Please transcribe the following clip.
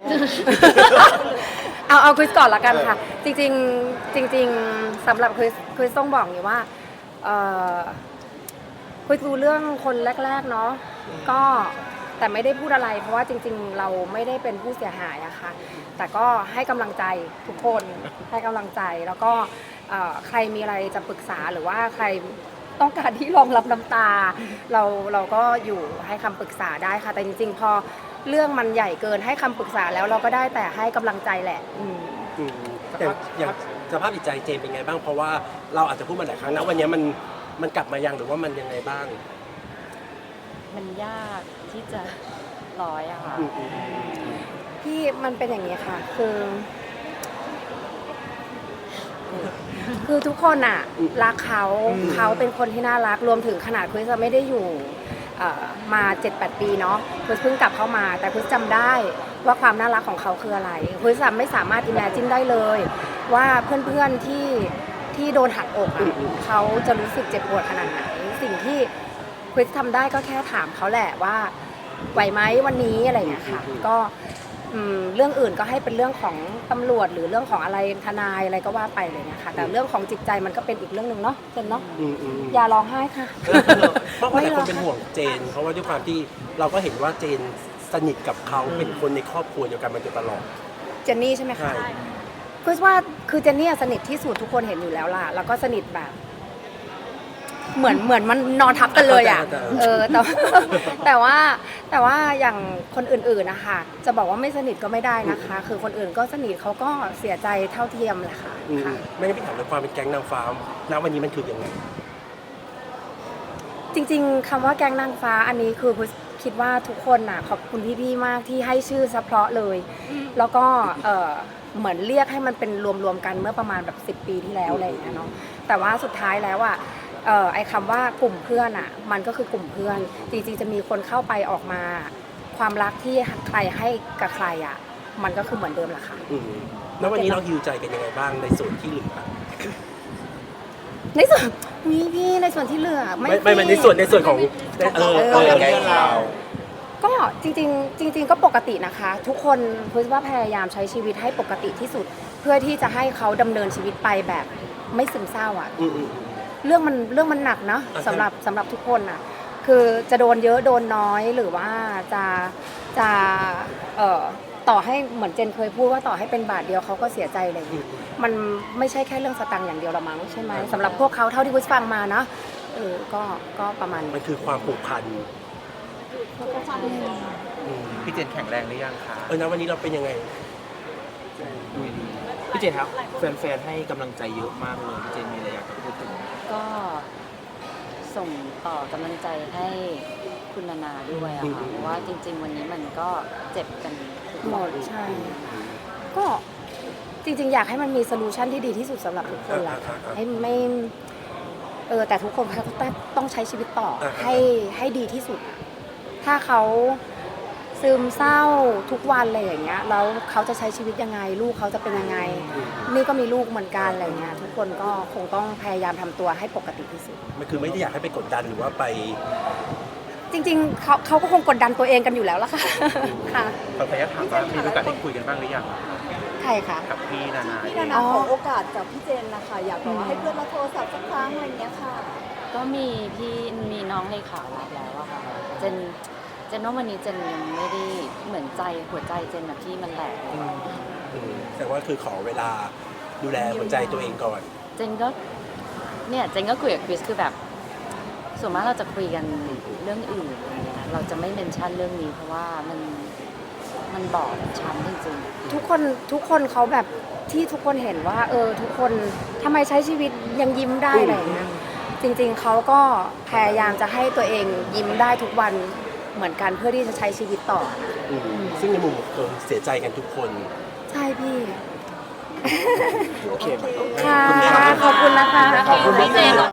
เอาคริสก่อนละกันค่ะจริงๆสำหรับคริสต้องบอกอย่างนี้ว่าคริสรู้เรื่องคนแรกๆเนาะก็แต่ไม่ได้พูดอะไรเพราะว่าจริงๆเราไม่ได้เป็นผู้เสียหายอะค่ะแต่ก็ให้กำลังใจทุกคนให้กำลังใจแล้วก็ใครมีอะไรจะปรึกษาหรือว่าใครต้องการที่รองรับน้ำตาเราก็อยู่ให้คำปรึกษาได้ค่ะแต่จริงๆพอเรื่องมันใหญ่เกินให้คำปรึกษาแล้วเราก็ได้แต่ให้กำลังใจแหละแต่อย่างสภาพจิตใจเจนเป็นไงบ้างเพราะว่าเราอาจจะพูดมาหลายครั้งนะวันนี้มันกลับมายังหรือว่ามันยังไงบ้างมันยากที่จะร้อยอะค่ะพี่มันเป็นอย่างนี้ค่ะคือทุกคนอะรักเขาเป็นคนที่น่ารักรวมถึงขนาดคริสไม่ได้อยู่มา 7-8 ปีเนาะคริสเพิ่งกลับเข้ามาแต่คริสจำได้ว่าความน่ารักของเขาคืออะไรคริสไม่สามารถ imagine ได้เลยว่าเพื่อนๆที่โดนหักอกเขาจะรู้สึกเจ็บปวดขนาดไหนสิ่งที่คริสทำได้ก็แค่ถามเขาแหละว่าไหวไหมวันนี้อะไรอย่างเงี้ยค่ะก็เรื่องอื่นก็ให้เป็นเรื่องของตำรวจหรือเรื่องของอะไรทนายอะไรก็ว่าไปเลยนะคะแต่เรื่องของจิตใจมันก็เป็นอีกเรื่องหนึ่งเนาะเจนเนาะอย่าร้องไห้ค่ะเพราะว่าหลายคนเป็นห่วงเจนเพราะว่าด้วยความที่เราก็เห็นว่าเจนสนิทกับเขาเป็นคนในครอบครัวเดียวกันมาโดยตลอดเจนนี่ใช่ไหมคะคือว่าคือเจนนี่สนิทที่สุดทุกคนเห็นอยู่แล้วล่ะแล้วก็สนิทแบบเหมือนมันนอนทับกันเลยอ่ะแต่ว่าอย่างคนอื่นๆนะคะจะบอกว่าไม่สนิทก็ไม่ได้นะคะคือคนอื่นก็สนิทเขาก็เสียใจเท่าเทียมแหละค่ะไม่ได้ไปถามเรื่องความเป็นแก๊งนางฟ้าณวันนี้มันคือยังไงจริงๆคำว่าแก๊งนางฟ้าอันนี้คือคิดว่าทุกคนน่ะขอบคุณพี่ๆมากที่ให้ชื่อเฉพาะเลยแล้วก็เหมือนเรียกให้มันเป็นรวมๆกันเมื่อประมาณแบบ10 ปีที่แล้วอะไรอย่างเงี้ยเนาะแต่ว่าสุดท้ายแล้วอ่ะไอ้คำว่ากลุ่มเพื่อนอ่ะมันก็คือกลุ่มเพื่อนจริงๆจะมีคนเข้าไปออกมาความรักที่ใครให้กับใครอ่ะมันก็คือเหมือนเดิมแหละค่ะแล้ววันนี้เราฮิวใจกันยังไงบ้างในส่วนที่เหลือในส่วนพี่ในส่วนที่เหลือไม่ในส่วนของแก๊งเราก็จริงก็ปกตินะคะทุกคนพูดว่าพยายามใช้ชีวิตให้ปกติที่สุดเพื่อที่จะให้เขาดำเนินชีวิตไปแบบไม่ซึมเศร้าอ่ะเรื่องมันหนักเนาะสำหรับทุกคนอ่ะคือจะโดนเยอะโดนน้อยหรือว่าจะต่อให้เหมือนเจนเคยพูดว่าต่อให้เป็นบาทเดียวเขาก็เสียใจเลยมันไม่ใช่แค่เรื่องสตังค์อย่างเดียวละมั้งใช่ไหมสำหรับพวกเขาเท่าที่คุยฟังมานะก็ประมาณมันคือความผูกพันพี่เจนแข็งแรงหรือยังคะนะวันนี้เราเป็นยังไงพี่เจนครับแฟนๆให้กำลังใจเยอะมากเลยพี่เจนมีอะไรอยากจะพูดถึงก็ส่งต่อกำลังใจให้คุณนานาด้วยอะค่ะเพราะว่าจริงๆวันนี้มันก็เจ็บกันหมดใช่ก็จริงๆอยากให้มันมีโซลูชันที่ดีที่สุดสำหรับทุกคนแหละให้ไม่แต่ทุกคนเขาต้องใช้ชีวิตต่อให้ดีที่สุดถ้าเขาซึมเศร้าทุกวันอะไรอย่างเงี้ยแล้วเขาจะใช้ชีวิตยังไงลูกเขาจะเป็นยังไงนี่ก็มีลูกเหมือนกันอะไรเงี้ยทุกคนก็คงต้องพยายามทำตัวให้ปกติที่สุดมันคือไม่ได้อยากให้ไปกดดันหรือว่าไปจริงๆเขาก็คงกดดันตัวเองกันอยู่แล้วล่ะค่ะค่ะขออนุญาตถามว่ามีโอกาสได้คุยกันบ้างหรือยังใครคะกับพี่นานาขอโอกาสจากพี่เจนนะคะอยากบอกว่าให้เพื่อนมาโทรศัพท์สักครั้งอะไรเงี้ยค่ะก็มีน้องเลขารับแล้วอะค่ะเจนว่าวันนี้เจนยังไม่ได้เหมือนหัวใจเจนแบบที่มันแหลกแต่ว่าคือขอเวลาดูแลหัวใจตัวเองก่อนเจนก็คุยกับคริสคือแบบส่วนมากเราจะคุยกันเรื่องอื่นอะไรเงี้ยเราจะไม่เมนชั่นเรื่องนี้เพราะว่ามันบอบช้ำจริงๆทุกคนเขาแบบที่ทุกคนเห็นว่าทุกคนทำไมใช้ชีวิตยังยิ้มได้อะไรเงี้ยจริงๆเขาก็พยายามจะให้ตัวเองยิ้มได้ทุกวันเหมือนกันเพื่อที่จะใช้ชีวิตต่อซึ่งในมุมคนเสียใจกันทุกคนใช่พี่โอเคค่ะขอบคุณนะคะขอบคุณพี่เจน